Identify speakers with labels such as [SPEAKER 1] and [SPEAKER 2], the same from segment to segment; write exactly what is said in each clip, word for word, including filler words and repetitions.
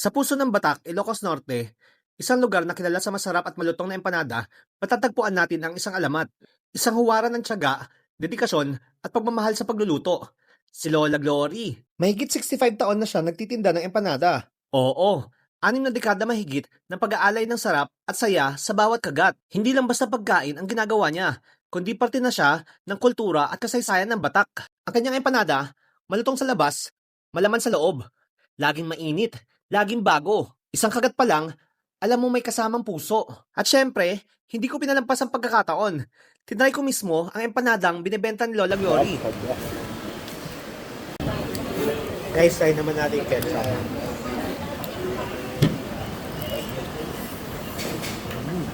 [SPEAKER 1] Sa puso ng Batak, Ilocos Norte, isang lugar na kilala sa masarap at malutong na empanada, matatagpuan natin ang isang alamat. Isang huwaran ng tiyaga, dedikasyon at pagmamahal sa pagluluto. Si Lola Glory. Mahigit sixty-five taon na siya nagtitinda ng empanada. Oo, anim na dekada mahigit ng pag-aalay ng sarap at saya sa bawat kagat. Hindi lang basta pagkain ang ginagawa niya, kundi parte na siya ng kultura at kasaysayan ng Batak. Ang kanyang empanada, malutong sa labas, malaman sa loob. Laging mainit, laging bago. Isang kagat pa lang, alam mo may kasamang puso. At syempre, hindi ko pinalampas ang pagkakataon. Tinry ko mismo ang empanadang binebenta ni Lola Glory. Guys, try naman natin yung ketchup. Mm.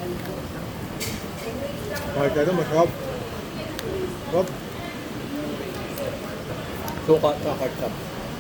[SPEAKER 1] Kahit ano, masarap. Masarap. Suka sa ketchup.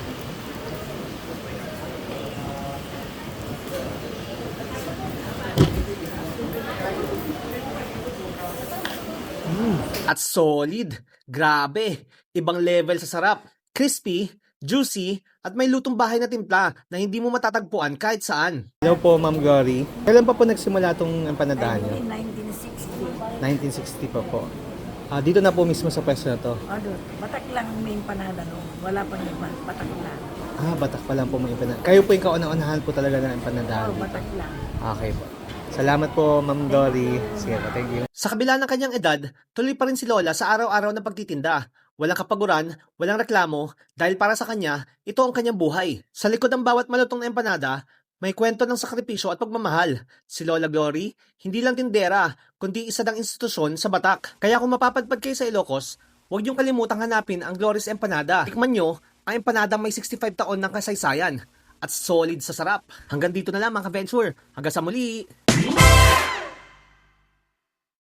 [SPEAKER 1] Mm. At solid. Grabe. Ibang level sa sarap. Crispy, juicy, at may lutong bahay na timpla na hindi mo matatagpuan kahit saan. Hello po, Ma'am Glory. Kailan pa po nagsimula itong empanadahan niyo?
[SPEAKER 2] nineteen sixty.
[SPEAKER 1] nineteen sixty pa po. Ah, dito na po mismo sa pwesto na to.
[SPEAKER 2] O doon, batak lang may empanada no. Wala pang iba, batak lang.
[SPEAKER 1] Ah, Batak pa lang po may empanada. Kayo po yung kauna-unahan po talaga ng empanadahan.
[SPEAKER 2] O, batak lang.
[SPEAKER 1] Okay po. Salamat po, Ma'am Dory. Sige po, thank you. Sa kabila ng kanyang edad, tuloy pa rin si Lola sa araw-araw na pagtitinda. Walang kapaguran, walang reklamo, dahil para sa kanya, ito ang kanyang buhay. Sa likod ng bawat malutong na empanada, may kwento ng sakripisyo at pagmamahal. Si Lola Glory, hindi lang tindera, kundi isa ng institusyon sa Batak. Kaya kung mapapadpad kayo sa Ilocos, huwag niyong kalimutang hanapin ang Glory's Empanada. Tikman niyo ang empanada may sixty-five taon ng kasaysayan at solid sa sarap. Hanggang dito na lang mga ka-venture. Hanggang sa muli!